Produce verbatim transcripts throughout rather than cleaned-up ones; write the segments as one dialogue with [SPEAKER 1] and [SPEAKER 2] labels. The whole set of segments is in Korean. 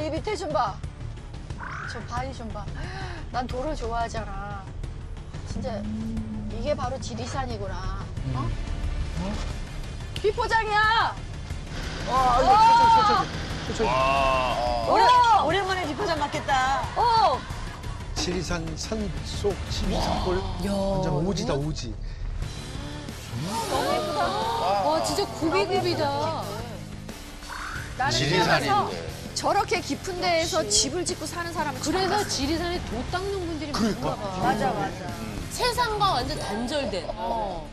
[SPEAKER 1] 이 밑에 좀 봐. 저 바위 좀 봐. 난 돌을 좋아하잖아. 진짜 이게 바로 지리산이구나. 어? 비포장이야.
[SPEAKER 2] 아, 이거 천천히, 천천히. 천천히.
[SPEAKER 3] 오래, 오랜만에 비포장 맞겠다.
[SPEAKER 1] 어.
[SPEAKER 2] 지리산 산속 지리산골. 완전 오지다, 오지.
[SPEAKER 4] 와 진짜 굽이굽이다.
[SPEAKER 1] 나는 태어나서
[SPEAKER 5] 지리산인데.
[SPEAKER 1] 저렇게 깊은 데에서 집을 짓고 사는 사람은 처음
[SPEAKER 4] 그래서
[SPEAKER 1] 봤어.
[SPEAKER 4] 지리산에 도 닦는 분들이
[SPEAKER 2] 그러니까.
[SPEAKER 4] 많나 봐.
[SPEAKER 3] 맞아, 맞아.
[SPEAKER 4] 세상과 완전 단절된. 어.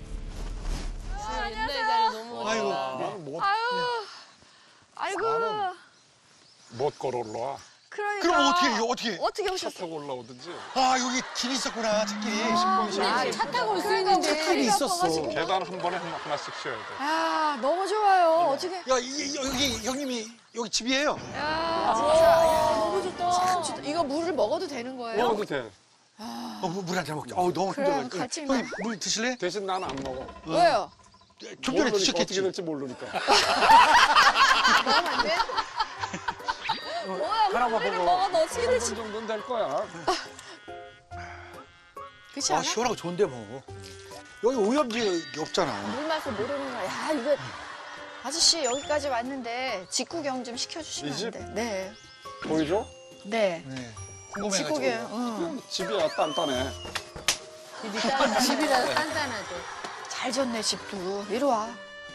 [SPEAKER 4] 옛날 자리 너무.
[SPEAKER 2] 아이고.
[SPEAKER 1] 아유. 아이고.
[SPEAKER 6] 못 걸어 올라와.
[SPEAKER 1] 그러니까.
[SPEAKER 2] 그럼 어떻게, 이거 어떻게?
[SPEAKER 1] 어떻게
[SPEAKER 6] 차
[SPEAKER 1] 오셨어?
[SPEAKER 6] 타고 올라오든지.
[SPEAKER 2] 아, 여기 길이 있었구나, 차길이.
[SPEAKER 4] 아, 차 타고 올 수 있는데.
[SPEAKER 2] 차길이 있었어.
[SPEAKER 6] 계단 한 번에 하나- 하나씩 씌워야 돼.
[SPEAKER 1] 아, 너무 좋아요. 어떻게.
[SPEAKER 2] 야, 이, 여기 형님이 여기 집이에요.
[SPEAKER 1] 야, 진짜. 야, 너무 좋다. 참 좋다. 이거 물을 먹어도 되는 거예요?
[SPEAKER 6] 먹어도 돼.
[SPEAKER 2] 어, 물 한 잔 먹자. 어우, 너무
[SPEAKER 1] 그래,
[SPEAKER 2] 힘들어.
[SPEAKER 1] 같이
[SPEAKER 2] 형님, 물 드실래?
[SPEAKER 6] 대신 난 안 먹어.
[SPEAKER 1] 왜요?
[SPEAKER 2] 좀 전에
[SPEAKER 6] 모르니까 어떻게
[SPEAKER 2] 드셨겠지.
[SPEAKER 6] 될지 모르니까.
[SPEAKER 1] 먹으면 안 돼? 뭐야,
[SPEAKER 2] 하나만
[SPEAKER 1] 물을
[SPEAKER 2] 먹어.
[SPEAKER 1] 먹어도 어떻게
[SPEAKER 6] 한
[SPEAKER 1] 될지.
[SPEAKER 6] 번 정도는 될 거야.
[SPEAKER 1] 그렇지
[SPEAKER 2] 아,
[SPEAKER 1] 않아?
[SPEAKER 2] 시원하고 좋은데 뭐. 여기 오염지 없잖아.
[SPEAKER 1] 물 맛을 모르는 거야. 야, 이거. 아저씨, 여기까지 왔는데 직구경 좀 시켜주시면
[SPEAKER 6] 이
[SPEAKER 1] 안
[SPEAKER 6] 집?
[SPEAKER 1] 돼? 네.
[SPEAKER 6] 보이죠?
[SPEAKER 1] 네.
[SPEAKER 2] 네.
[SPEAKER 1] 직구경.
[SPEAKER 2] 궁금해가지고.
[SPEAKER 1] 응.
[SPEAKER 6] 집이야 단단해.
[SPEAKER 4] 집이 단, 집이라서 단단하죠.
[SPEAKER 1] 잘 졌네, 집도. 이리 와.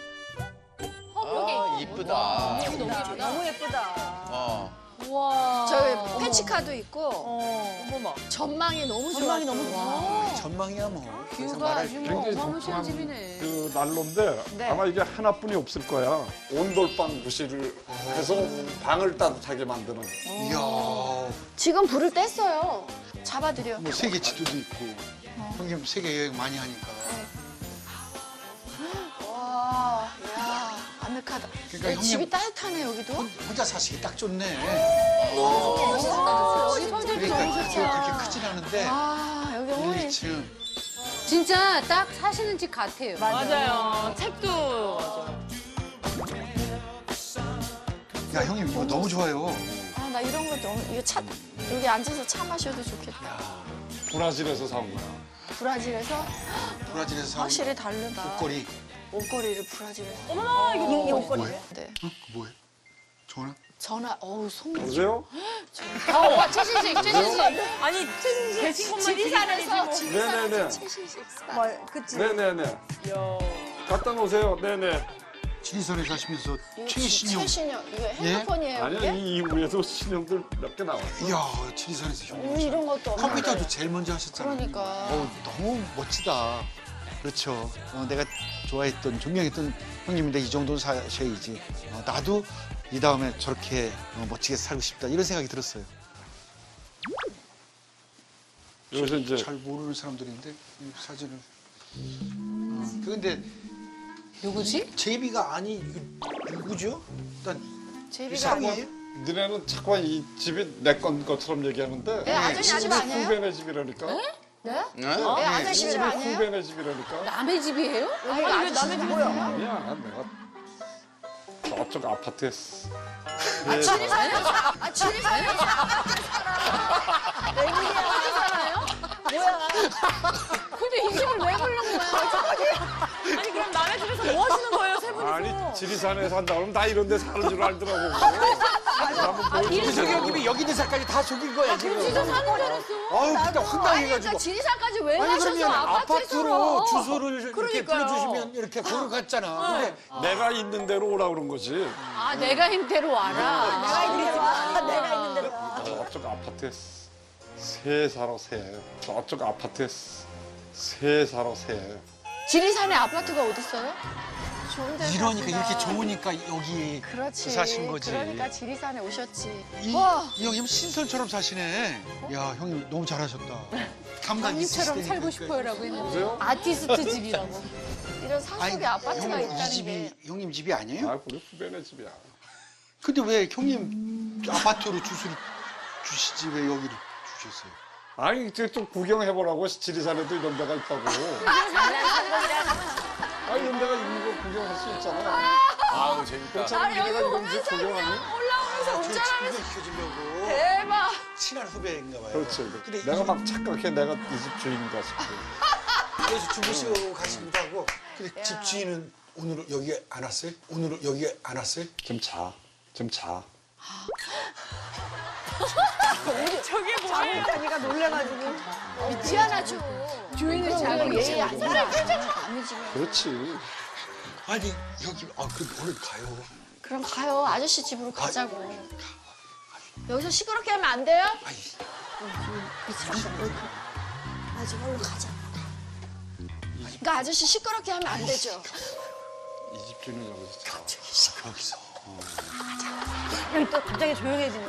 [SPEAKER 5] 아, 이쁘다.
[SPEAKER 3] 너무 예쁘다.
[SPEAKER 5] 어.
[SPEAKER 4] 우와.
[SPEAKER 1] 저기 펜치카도 있고
[SPEAKER 3] 어. 어머머.
[SPEAKER 1] 전망이 너무 좋아.
[SPEAKER 3] 전망이 너무 좋아.
[SPEAKER 2] 전망이야 뭐. 더 이상
[SPEAKER 4] 뷰가
[SPEAKER 2] 말할
[SPEAKER 4] 아주
[SPEAKER 2] 게
[SPEAKER 4] 뭐
[SPEAKER 6] 굉장히
[SPEAKER 4] 어마무시한
[SPEAKER 6] 독특한
[SPEAKER 4] 집이네.
[SPEAKER 6] 그 난로인데
[SPEAKER 1] 네.
[SPEAKER 6] 아마 이게 하나뿐이 없을 거야. 온돌방 구실을 해서 방을 따뜻하게 만드는.
[SPEAKER 2] 이야,
[SPEAKER 1] 지금 불을 뗐어요. 잡아드려.
[SPEAKER 2] 뭐 세계 지도도 있고. 형님 세계 여행 많이 하니까.
[SPEAKER 1] 와, 야, 아늑하다.
[SPEAKER 2] 그러니까
[SPEAKER 1] 야,
[SPEAKER 2] 형님-
[SPEAKER 1] 집이 따뜻하네, 여기도.
[SPEAKER 2] 혼- 혼자 사시기 딱 좋네.
[SPEAKER 1] 오, 멋있다.
[SPEAKER 4] 집 성적이
[SPEAKER 2] 그러니까
[SPEAKER 4] 너무
[SPEAKER 2] 그렇게,
[SPEAKER 4] 좋다.
[SPEAKER 2] 그렇게 크진 않은데
[SPEAKER 1] 아, 여기
[SPEAKER 2] 일,
[SPEAKER 1] 어머니.
[SPEAKER 2] 이 층.
[SPEAKER 4] 진짜 딱 사시는 집 같아요.
[SPEAKER 3] 맞아요. 책도.
[SPEAKER 2] 야, 형님 이거 너무 좋아요.
[SPEAKER 1] 아, 나 이런 거 너무, 이거 차, 여기 앉아서 차 마셔도 좋겠다.
[SPEAKER 6] 브라질에서 사온 거야.
[SPEAKER 1] 브라질에서
[SPEAKER 2] 브라질에서 사온
[SPEAKER 1] 확실히 다르다.
[SPEAKER 2] 옷걸이.
[SPEAKER 1] 옷걸이를 브라질에서.
[SPEAKER 3] 어머나, 이거 이 옷걸이.
[SPEAKER 2] 뭐예요?
[SPEAKER 1] 네.
[SPEAKER 2] 응? 그거 뭐예요? 전화?
[SPEAKER 1] 전화, 어우, 손.
[SPEAKER 6] 보세요?
[SPEAKER 4] 어, 최신식, 최신식.
[SPEAKER 3] 아니, 계신 것만
[SPEAKER 1] 지리산에서,
[SPEAKER 6] 네네네.
[SPEAKER 1] 지리산에서 최신식 스타.
[SPEAKER 3] 뭐, 그치.
[SPEAKER 6] 네네네. 갖다 놓으세요. 네네.
[SPEAKER 2] 지리산에 사시면서
[SPEAKER 1] 이거
[SPEAKER 2] 최신형.
[SPEAKER 1] 최신형. 이거 핸드폰이에요,
[SPEAKER 6] 아니야
[SPEAKER 1] 이게?
[SPEAKER 6] 이 이후에도 신형들 몇 개 나왔어.
[SPEAKER 2] 이야, 지리산에서 형님.
[SPEAKER 1] 음, 이런 것도 없는데.
[SPEAKER 2] 컴퓨터도 제일 먼저 하셨잖아요.
[SPEAKER 1] 그러니까.
[SPEAKER 2] 어우, 너무 멋지다. 그렇죠. 어, 내가 좋아했던, 존경했던 형님인데 이 정도는 사셔야지. 어, 나도 이 다음에 저렇게 어, 멋지게 살고 싶다. 이런 생각이 들었어요.
[SPEAKER 6] 여기서 이제
[SPEAKER 2] 잘 모르는 사람들인데 이 사진을. 어, 그런데
[SPEAKER 4] 누구지?
[SPEAKER 2] 제비가 아니 이거 누구죠? 일단
[SPEAKER 1] 제비가
[SPEAKER 2] 이상이에요?
[SPEAKER 1] 아니에요?
[SPEAKER 6] 너네는 자꾸 이 집이 내 건 것처럼 얘기하는데
[SPEAKER 1] 네, 아저씨 집 아니에요?
[SPEAKER 6] 후배네 집이라니까.
[SPEAKER 1] 네?
[SPEAKER 5] 네?
[SPEAKER 1] 네, 아저씨
[SPEAKER 6] 이
[SPEAKER 1] 집
[SPEAKER 6] 집이
[SPEAKER 1] 아니에요?
[SPEAKER 6] 후배네 집이라니까.
[SPEAKER 4] 남의 집이에요?
[SPEAKER 1] 아니, 왜 남의 집 뭐야?
[SPEAKER 6] 아니야 내가 저쪽 아파트에 스-
[SPEAKER 1] 아, 지리산에? 아, 지리산에? 웬일이야, 어디 살아요? 뭐야?
[SPEAKER 4] 근데 이 집을 왜 부른 거야?
[SPEAKER 3] 아니, 그럼 남의 집에서 뭐 하시는 거예요, 세 분이서?
[SPEAKER 6] 아니 지리산에 산다 그러면 나 이런 데 사는 줄 알더라고. 한번 보여줘.
[SPEAKER 2] 저기 형님이 여기 있는 사람까지 다 속인 거야 지금.
[SPEAKER 4] 진짜 사는 줄 알았어.
[SPEAKER 2] 아유 그때
[SPEAKER 1] 아니,
[SPEAKER 2] 황당해가지고.
[SPEAKER 1] 그러니까 지리산까지 왜
[SPEAKER 2] 아니
[SPEAKER 1] 가셨어?
[SPEAKER 2] 그러면
[SPEAKER 1] 아파트에
[SPEAKER 2] 아파트로
[SPEAKER 1] 살아.
[SPEAKER 2] 주소를 이렇게
[SPEAKER 1] 그러니까요.
[SPEAKER 2] 불러주시면 이렇게 거기 갔잖아. 근데
[SPEAKER 6] 내가 있는 대로 오라 그런 거지.
[SPEAKER 4] 아, 내가 힘대로 와라.
[SPEAKER 3] 내가 있는 대로 와. 내가 있는 대로 와.
[SPEAKER 6] 저쪽 아파트에 스- 새 사러 새. 저쪽 아파트에 스- 새 사러 새.
[SPEAKER 1] 지리산에 아파트가 어디 있어요? 좋은 데
[SPEAKER 2] 이러니까
[SPEAKER 1] 사시다.
[SPEAKER 2] 이렇게 좋으니까 여기
[SPEAKER 1] 그렇지.
[SPEAKER 2] 사신 거지.
[SPEAKER 1] 그러니까 지리산에 오셨지.
[SPEAKER 2] 이,
[SPEAKER 1] 와.
[SPEAKER 2] 이 형님 신선처럼 사시네. 야 형님 너무 잘하셨다. 감각
[SPEAKER 4] 형님처럼
[SPEAKER 2] 있으시다니까.
[SPEAKER 4] 살고 싶어요라고 했는데.
[SPEAKER 6] 보세요?
[SPEAKER 4] 아티스트 집이라고.
[SPEAKER 1] 이런 산속에 아파트가
[SPEAKER 2] 형님,
[SPEAKER 1] 있다는
[SPEAKER 2] 이 집이
[SPEAKER 1] 게.
[SPEAKER 2] 형님 집이 아니에요?
[SPEAKER 6] 아 우리 후배네 집이야.
[SPEAKER 2] 근데 왜 형님 아파트로 주소를 주시지 왜 여기로 주셨어요?
[SPEAKER 6] 아니 이제 좀 구경해보라고 지리산에도 이런 데가 있다고. 아 이런 데가 있는 거 구경할 수 있잖아.
[SPEAKER 5] 아우, 재밌다.
[SPEAKER 6] 괜찮은
[SPEAKER 1] 아, 여기
[SPEAKER 6] 데가 있는지
[SPEAKER 1] 오면서
[SPEAKER 6] 구경하니?
[SPEAKER 1] 그냥 올라오면서 운전하면서
[SPEAKER 2] 친한 후배인가 봐요.
[SPEAKER 6] 그렇죠.
[SPEAKER 2] 근데
[SPEAKER 6] 내가
[SPEAKER 2] 이-
[SPEAKER 6] 막 착각해 내가 이 집 주인인가 싶고.
[SPEAKER 2] 그래서 주무시고 가시기도 하고. 근데 집 주인은 오늘 여기 안 왔어요? 오늘 여기 안 왔어요?
[SPEAKER 6] 좀 자. 좀 자.
[SPEAKER 3] 저게 뭐예요?
[SPEAKER 4] 자니까 놀래가지고.
[SPEAKER 1] 미안하죠.
[SPEAKER 4] 주인을 잘
[SPEAKER 1] 예의 안 지키잖아. 아니지.
[SPEAKER 6] 그렇지.
[SPEAKER 2] 아니 여기 아 그 오늘 가요.
[SPEAKER 1] 그럼 가요. 아저씨 집으로 가자고. 여기서 시끄럽게 하면 안 돼요?
[SPEAKER 2] 아이
[SPEAKER 1] 아직 얼른 가자. 그러니까 아저씨 시끄럽게 하면 안 되죠.
[SPEAKER 6] 이 집 주인은 여기서 자.
[SPEAKER 2] 여기서
[SPEAKER 3] 그냥 또 갑자기 조용해지네.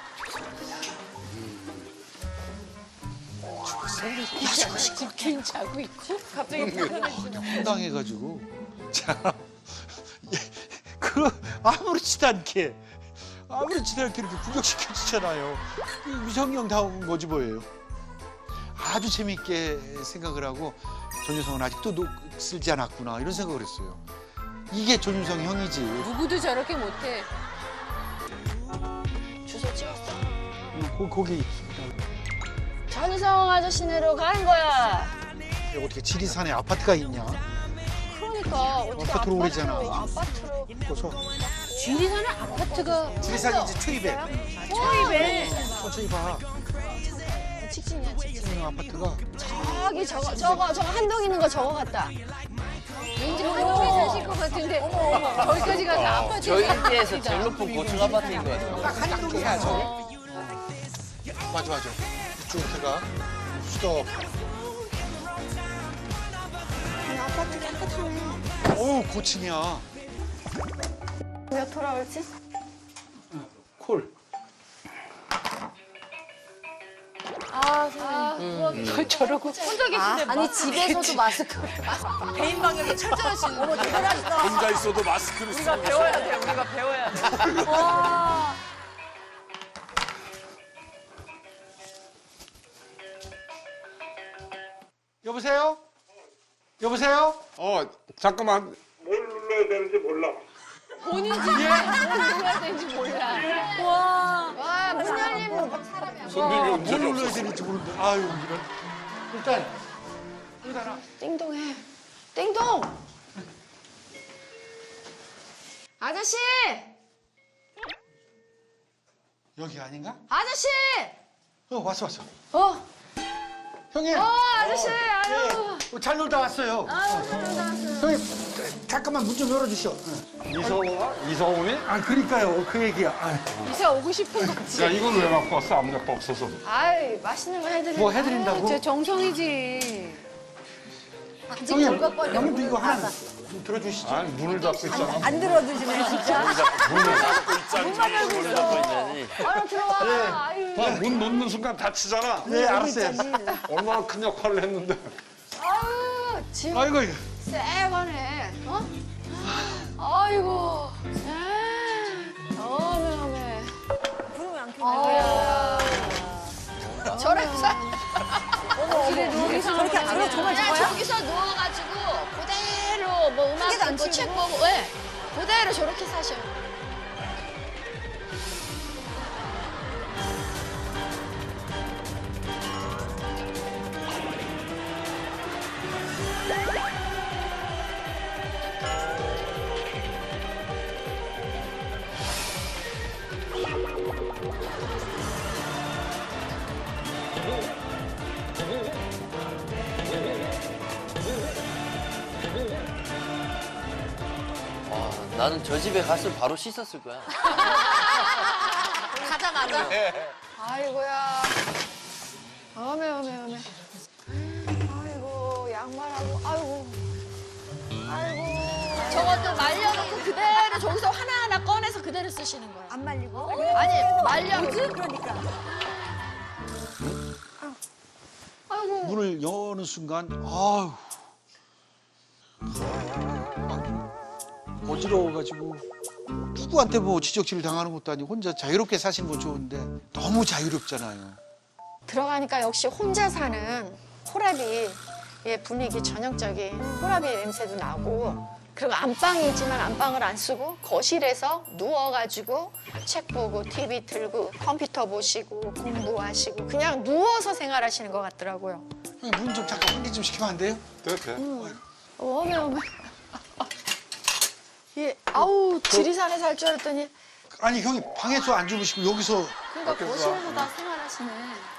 [SPEAKER 1] 괜히 자고 있고.
[SPEAKER 3] 갑자기 조용해지네.
[SPEAKER 2] 황당해가지고 자 예, 그 아무렇지도 않게 아무렇지도 않게 이렇게 구경시켜 주잖아요. 위성형 다운 거지 뭐예요. 아주 재미있게 생각을 하고 전유성은 아직도 녹 쓸지 않았구나 이런 생각을 했어요. 이게 전유성 형이지.
[SPEAKER 4] 누구도 저렇게 못해.
[SPEAKER 1] 주소 찍었어.
[SPEAKER 2] 응, 거, 거기
[SPEAKER 1] 전유성 아저씨네로 가는 거야.
[SPEAKER 2] 어떻게 지리산에 아파트가 있냐?
[SPEAKER 1] 그러니까 어떻게
[SPEAKER 2] 아파트로 오래잖아.
[SPEAKER 1] 아파트로 아파트로.
[SPEAKER 2] 그래서
[SPEAKER 4] 지리산에 아파트가
[SPEAKER 2] 지리산이 이제 초입에
[SPEAKER 3] 초입에.
[SPEAKER 2] 천천히 봐.
[SPEAKER 1] 직진이야 직진.
[SPEAKER 2] 그 아파트가
[SPEAKER 1] 저기 저거 저거 저거 한동 있는 거 저거 같다.
[SPEAKER 4] 왠지 한쪽에 사실 것 같은데 저기까지 가서 아파트.
[SPEAKER 5] 저희 일대에서 제일 높은 고층 아파트인 것 같아요.
[SPEAKER 2] 한동이야 저. 맞아 맞아. 이쪽 해가 수덕.
[SPEAKER 1] 아파트 깨끗하네.
[SPEAKER 2] 어우 고층이야.
[SPEAKER 1] 몇 호라 그랬지?
[SPEAKER 2] 콜.
[SPEAKER 1] 아, 세상에.
[SPEAKER 4] 저러고
[SPEAKER 3] 혼자 계신데
[SPEAKER 1] 아니 집에서도 마스크.
[SPEAKER 3] 개인 방역에 철저하시는. 어머 대단하시다.
[SPEAKER 7] 혼자 있어도 마스크를 쓰고
[SPEAKER 3] 우리가 배워야 돼. 우리가 배워야 돼.
[SPEAKER 1] 와.
[SPEAKER 2] 여보세요? 여보세요?
[SPEAKER 6] 어 잠깐만.
[SPEAKER 7] 뭘 눌러야 되는지 몰라.
[SPEAKER 4] 본인 집에 뭘 눌러야 되는지 몰라.
[SPEAKER 3] 와.
[SPEAKER 1] 와, 문 열리면 사람이 안
[SPEAKER 7] 손 눌러 온
[SPEAKER 2] 뭘
[SPEAKER 7] 적이
[SPEAKER 2] 눌러야
[SPEAKER 7] 없어.
[SPEAKER 2] 되는지 모르는데. 아유 이런. 일단 여기다 놔.
[SPEAKER 1] 띵동해. 띵동. 아저씨!
[SPEAKER 2] 여기 아닌가?
[SPEAKER 1] 아저씨!
[SPEAKER 2] 어 왔어 왔어.
[SPEAKER 1] 어,
[SPEAKER 2] 형님.
[SPEAKER 1] 어, 아저씨. 아유.
[SPEAKER 2] 예. 어, 잘 놀다 왔어요.
[SPEAKER 1] 아유, 잘 나왔어요.
[SPEAKER 2] 형님 잠깐만 문 좀 열어주시오. 응.
[SPEAKER 6] 이성호가? 이성훈이?
[SPEAKER 2] 아 그러니까요. 그 얘기야. 아,
[SPEAKER 4] 이사 오고 싶은 거지.
[SPEAKER 6] 야 이걸 왜 갖고 왔어? 아무것도 없어서.
[SPEAKER 1] 아이, 맛있는 거 해드릴게요.
[SPEAKER 2] 뭐 해드린다고?
[SPEAKER 4] 저 정성이지.
[SPEAKER 2] 형님, 형님도 이거 하나 좀 들어주시죠.
[SPEAKER 6] 아니 문을 닫고 있잖아.
[SPEAKER 3] 안 들어주시네 진짜.
[SPEAKER 5] 문만 열고 있다니.
[SPEAKER 1] 아유, 들어와.
[SPEAKER 2] 네.
[SPEAKER 1] 아유.
[SPEAKER 6] 봐, 문 놓는 순간 다치잖아.
[SPEAKER 2] 네 알았어요.
[SPEAKER 6] 얼마나 큰 역할을 했는데.
[SPEAKER 1] 아유, 지금
[SPEAKER 2] 아이고 이거.
[SPEAKER 1] 쎄거네. 어? 아이고. 쎄. 어메, 어메.
[SPEAKER 3] 불을 왜안 켜네.
[SPEAKER 1] 아유. 저래서.
[SPEAKER 4] 집에 누워 계시는
[SPEAKER 3] 저렇게
[SPEAKER 4] 거
[SPEAKER 3] 저렇게 정말
[SPEAKER 1] 그냥
[SPEAKER 3] 저거야?
[SPEAKER 1] 저기서 누워가지고 그대로 뭐 음악
[SPEAKER 3] 개도 안
[SPEAKER 1] 듣고 책
[SPEAKER 3] 치우고?
[SPEAKER 1] 보고, 예. 그대로 저렇게 사셔요.
[SPEAKER 5] 와, 나는 저 집에 갔으면 바로 씻었을 거야.
[SPEAKER 1] 가자마자. 아이고야. 어메, 어메, 어메. 아이고, 양말하고, 아이고. 아이고. 저것도 말려놓고 그대로 저기서 하나하나 꺼내서 그대로 쓰시는 거야.
[SPEAKER 3] 안 말리고?
[SPEAKER 1] 아니, 말려.
[SPEAKER 3] 그러니까.
[SPEAKER 1] 아이고.
[SPEAKER 2] 문을 여는 순간 아우 어지러워가지고 누구한테 뭐 지적질을 당하는 것도 아니고 혼자 자유롭게 사시는 건 좋은데 너무 자유롭잖아요.
[SPEAKER 1] 들어가니까 역시 혼자 사는 호라비 의 분위기 전형적인 호라비 냄새도 나고 그리고 안방이 있지만 안방을 안 쓰고 거실에서 누워가지고 책 보고 티비 틀고 컴퓨터 보시고 공부하시고 그냥 누워서 생활하시는 것 같더라고요.
[SPEAKER 2] 문 좀 잠깐 환기 좀 시키면 안 돼요?
[SPEAKER 6] 돼, 돼.
[SPEAKER 1] 어메 어메. 예, 아우 지리산에 살 줄 알았더니
[SPEAKER 2] 아니 형이 방에서 안 주무시고 여기서
[SPEAKER 1] 그러니까 거실에서 다 생활하시네.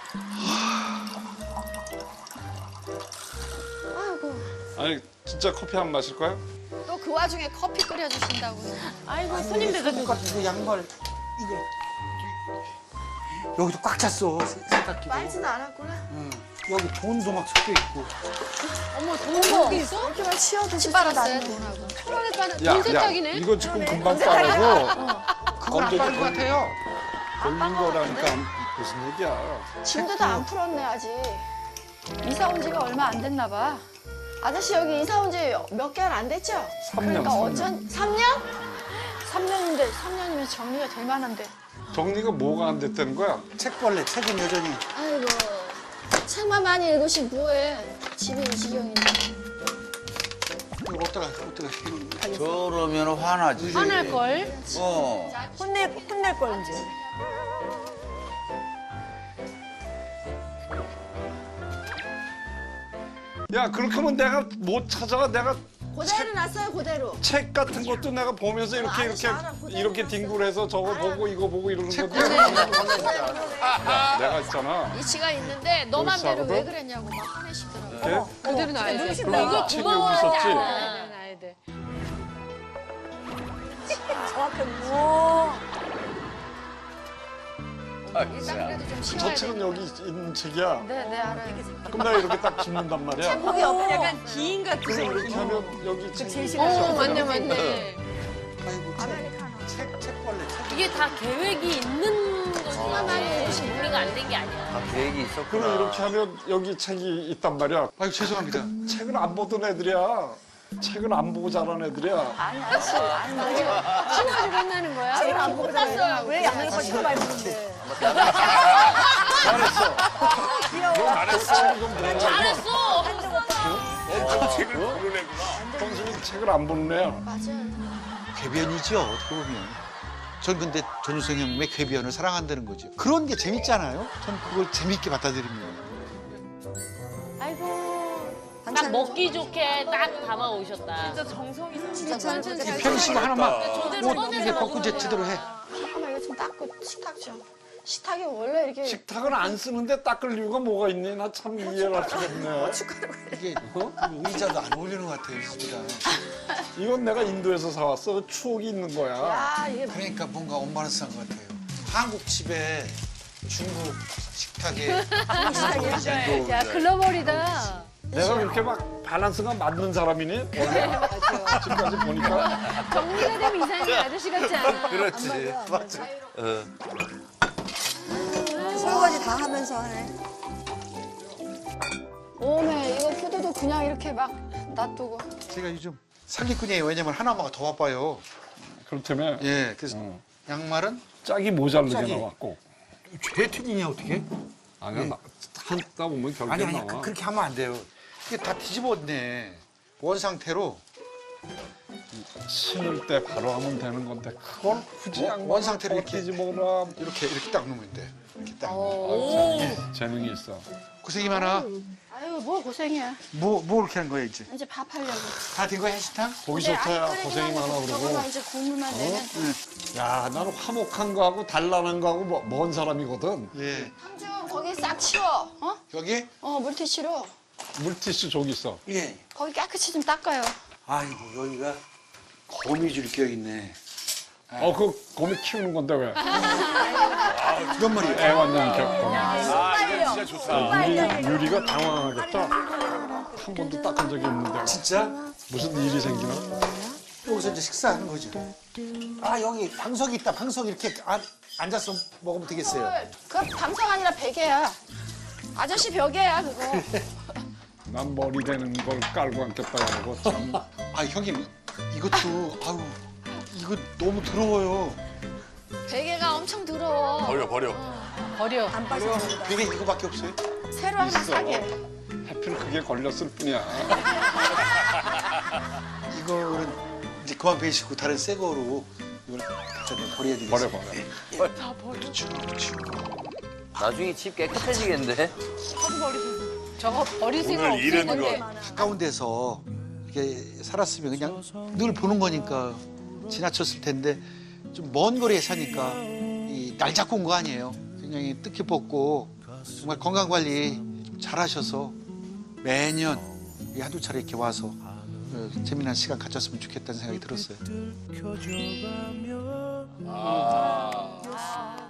[SPEAKER 1] 아이고
[SPEAKER 6] 아니 진짜 커피 안 마실 거야?
[SPEAKER 1] 또 그 와중에 커피 끓여주신다고요.
[SPEAKER 3] 아이고 손님들 도
[SPEAKER 2] 똑같은 그 양말 이거 여기도 꽉 찼어 세- 세탁기도.
[SPEAKER 1] 빨지는 않았구나.
[SPEAKER 2] 응. 여기 돈도 막 섞여 있고.
[SPEAKER 3] 어머 돈도 있어?
[SPEAKER 1] 이렇게만 치워드실 빨았어요 돈하고.
[SPEAKER 4] 그러니까
[SPEAKER 6] 야,
[SPEAKER 4] 돈
[SPEAKER 6] 야,
[SPEAKER 4] 세탁이네.
[SPEAKER 6] 이거 지금 금방 빨아서
[SPEAKER 2] 그건 안 빠른 것 같아요.
[SPEAKER 6] 걸린 거라니까 무슨 얘기야.
[SPEAKER 1] 짐도 다 안 풀었네 아직. 이사 온 지가 얼마 안 됐나 봐. 아저씨 여기 이사 온 지 몇 개월 안 됐죠?
[SPEAKER 6] 삼 년,
[SPEAKER 1] 그러니까
[SPEAKER 6] 삼 년.
[SPEAKER 1] 어쩐 삼 년? 삼 년인데 삼 년이면 정리가 될 만한데.
[SPEAKER 6] 정리가 뭐가 안 됐다는 거야?
[SPEAKER 2] 책벌레 책은 여전히.
[SPEAKER 1] 아이고 책만 많이 읽으시 뭐해. 집이 이 지경인데.
[SPEAKER 2] 이거 어떡하 어떡하.
[SPEAKER 5] 저러면 화나지.
[SPEAKER 4] 화날 걸.
[SPEAKER 5] 어.
[SPEAKER 3] 혼낼 혼낼 걸 이제.
[SPEAKER 6] 야 그렇게 하면 내가 못 찾아. 내가
[SPEAKER 1] 그대로 놨어요 그대로.
[SPEAKER 6] 책 같은 것도 내가 보면서 이렇게 이렇게 이렇게 딩굴해서 저거 보고 이거 보고 이러는 건데 내가 있잖아.
[SPEAKER 1] 이치가 있는데 너 맘대로 왜
[SPEAKER 6] 하거든?
[SPEAKER 1] 그랬냐고 막 화내시더라고요.
[SPEAKER 6] 이렇게
[SPEAKER 4] 그대로 놔야지.
[SPEAKER 6] 이거 책이 여기 있었지.
[SPEAKER 4] 놔야 돼, 놔야 돼.
[SPEAKER 3] 정확해. 우와.
[SPEAKER 1] 일단 그래도 좀
[SPEAKER 6] 저
[SPEAKER 1] 치워야
[SPEAKER 6] 책은
[SPEAKER 1] 돼.
[SPEAKER 6] 여기 있는 책이야.
[SPEAKER 1] 네, 네 알아요.
[SPEAKER 6] 그럼 내가 이렇게 딱 짚는단 말이야.
[SPEAKER 3] 거기 옆에 약간 기인 같은
[SPEAKER 6] 그럼 이렇게 하면 여기 책이
[SPEAKER 3] 제일
[SPEAKER 6] 있잖아.
[SPEAKER 4] 어, 맞네, 맞네.
[SPEAKER 2] 아이고 책, 책 책벌레 책.
[SPEAKER 8] 이게 다 계획이 있는 거지.
[SPEAKER 1] 많이 읽으시
[SPEAKER 8] 정리가 안 된 게 아니야.
[SPEAKER 5] 아, 계획이 있었구나.
[SPEAKER 6] 그럼 이렇게 하면 여기 책이 있단 말이야.
[SPEAKER 2] 아이고 죄송합니다.
[SPEAKER 6] 책을 안 보던 애들이야. 책을 안 보고 자란 애들이야.
[SPEAKER 3] 아니 아저씨 아니 나 지금
[SPEAKER 4] 신화를 혼나는 거야?
[SPEAKER 3] 책을 안 보고 잤어요. 왜 양말 거 책을 많이 보는데.
[SPEAKER 6] 잘했어. 잘했어. 이건 뭐야?
[SPEAKER 8] 잘했어.
[SPEAKER 7] 엄청 책을 고른 애구나.
[SPEAKER 6] 평소에 책을 안 보는 애야.
[SPEAKER 1] 맞아요.
[SPEAKER 2] 궤변이죠 어떻게 보면. 전 근데 전우성 형님의 궤변을 사랑한다는 거죠. 그런 게 재밌잖아요. 전 그걸 재밌게 받아들입니다.
[SPEAKER 8] 아이고. 딱 먹기 좋게 딱 담아 오셨다.
[SPEAKER 3] 진짜 정성이
[SPEAKER 4] 진짜 반찬 잘
[SPEAKER 2] 평씨가 하나만
[SPEAKER 8] 조대로
[SPEAKER 2] 옷
[SPEAKER 8] 꺼내서
[SPEAKER 2] 이게 벗고
[SPEAKER 8] 먹어야
[SPEAKER 2] 이제 제대로 해.
[SPEAKER 1] 잠깐만 이거 좀 닦고 식탁 좀. 식탁이 원래 이렇게
[SPEAKER 6] 식탁은 안 쓰는데 닦을 이유가 뭐가 있니? 나 참 이해를 할 수가 없네.
[SPEAKER 2] 이게 의자도 안 어울리는 것 같아요, 이 집이다.
[SPEAKER 6] 이건 내가 인도에서 사왔어. 추억이 있는 거야.
[SPEAKER 1] 아 이게
[SPEAKER 2] 그러니까 뭔가 엄마는 것 같아요. 한국 집에 중국 식탁에
[SPEAKER 4] 야, 글로벌이다.
[SPEAKER 6] 내가 그렇게 막 밸런스가 맞는 사람이니? 원래? 지금까지 보니까.
[SPEAKER 4] 정리가 되면 이상해. 아저씨 같지 않아.
[SPEAKER 5] 그렇지. 맞아. 어.
[SPEAKER 3] 설거지 다 하면서 하네.
[SPEAKER 1] 오메 이거 푸드도 그냥 이렇게 막 놔두고.
[SPEAKER 2] 제가 요즘 사기꾼이에요. 왜냐면 하나마가 더 바빠요.
[SPEAKER 6] 그렇다면
[SPEAKER 2] 예, 그래서
[SPEAKER 6] 어.
[SPEAKER 2] 양말은
[SPEAKER 6] 짝이 모자르게
[SPEAKER 2] 짝이.
[SPEAKER 6] 나왔고.
[SPEAKER 2] 죄 틀리냐 어떻게?
[SPEAKER 6] 아니야, 나, 한다 보면 결국에
[SPEAKER 2] 아니 아니
[SPEAKER 6] 나와.
[SPEAKER 2] 그, 그렇게 하면 안 돼요. 이게 다 뒤집었네. 원 상태로
[SPEAKER 6] 신을 때 바로 하면 되는 건데 그걸 굳이
[SPEAKER 2] 원-
[SPEAKER 6] 양말을
[SPEAKER 2] 원 상태로 이렇게.
[SPEAKER 6] 뒤집어라.
[SPEAKER 2] 이렇게 이렇게 딱 놓으면 돼. 이렇게 딱.
[SPEAKER 6] 아, 재능이 있어.
[SPEAKER 2] 고생이 많아.
[SPEAKER 1] 아유 뭐 고생이야.
[SPEAKER 2] 뭐, 뭐 이렇게 하는 거야 이제?
[SPEAKER 1] 이제 밥 하려고.
[SPEAKER 2] 다 된 거야 해시탕?
[SPEAKER 6] 보기조차야
[SPEAKER 1] 끓이긴
[SPEAKER 6] 고생이
[SPEAKER 1] 하는데
[SPEAKER 6] 많아
[SPEAKER 1] 저거만
[SPEAKER 6] 그러고.
[SPEAKER 1] 이제 국물만 내면.
[SPEAKER 6] 야, 나는 화목한 거하고 단란한 거하고 뭐- 먼 사람이거든.
[SPEAKER 2] 예.
[SPEAKER 1] 상주 거기 싹 치워. 어?
[SPEAKER 2] 여기?
[SPEAKER 1] 어 물티슈로.
[SPEAKER 6] 물티슈 저기 있어.
[SPEAKER 2] 예.
[SPEAKER 1] 거기 깨끗이 좀 닦아요.
[SPEAKER 2] 아이고 여기가 거미줄 껴 있네.
[SPEAKER 6] 어, 그 거미 키우는 건데 왜?
[SPEAKER 2] 몇 마리?
[SPEAKER 6] 애완용 겹
[SPEAKER 7] 아, 이거 진짜 좋다.
[SPEAKER 6] 유리, 유리가 당황하겠다. 한 번도 닦은 적이 없는데
[SPEAKER 2] 진짜?
[SPEAKER 6] 무슨 일이 생기나?
[SPEAKER 2] 여기서 이제 식사하는 거죠. 아 여기 방석이 있다. 방석 이렇게 안, 앉아서 먹으면 되겠어요.
[SPEAKER 1] 그 방석 아니라 베개야. 아저씨 벽에야 그거.
[SPEAKER 6] 난 머리 되는 걸 깔고 앉겠다 그러고 참.
[SPEAKER 2] 아 형님 이것도 아우 이거 너무 더러워요.
[SPEAKER 1] 베개가 엄청 더러워.
[SPEAKER 7] 버려, 버려.
[SPEAKER 4] 버려.
[SPEAKER 3] 안 빠져나온다.
[SPEAKER 2] 되게 이거밖에 없어요?
[SPEAKER 1] 새로 하나 사게.
[SPEAKER 6] 해피를 하여튼 그게 걸렸을 뿐이야.
[SPEAKER 2] 이거는 이제 그만 베시고 다른 새 거로 이걸 갖다 내 버려야
[SPEAKER 6] 버려
[SPEAKER 2] 되겠어요.
[SPEAKER 6] 버려.
[SPEAKER 2] 그렇죠, 그렇죠.
[SPEAKER 5] 나중에 집 깨끗해지겠는데?
[SPEAKER 4] 저거 버릴 생각
[SPEAKER 7] 오늘
[SPEAKER 4] 없을
[SPEAKER 7] 잃은
[SPEAKER 4] 건데.
[SPEAKER 7] 것.
[SPEAKER 2] 가까운 데서 이렇게 살았으면 그냥 늘 보는 거니까 지나쳤을 텐데 좀 먼 거리에 사니까 이 날 잡고 온 거 아니에요. 굉장히 뜻깊었고 정말 건강 관리 좀 잘하셔서 매년 이 한두 차례 이렇게 와서 어, 재미난 시간 가졌으면 좋겠다는 생각이 들었어요.
[SPEAKER 7] 아.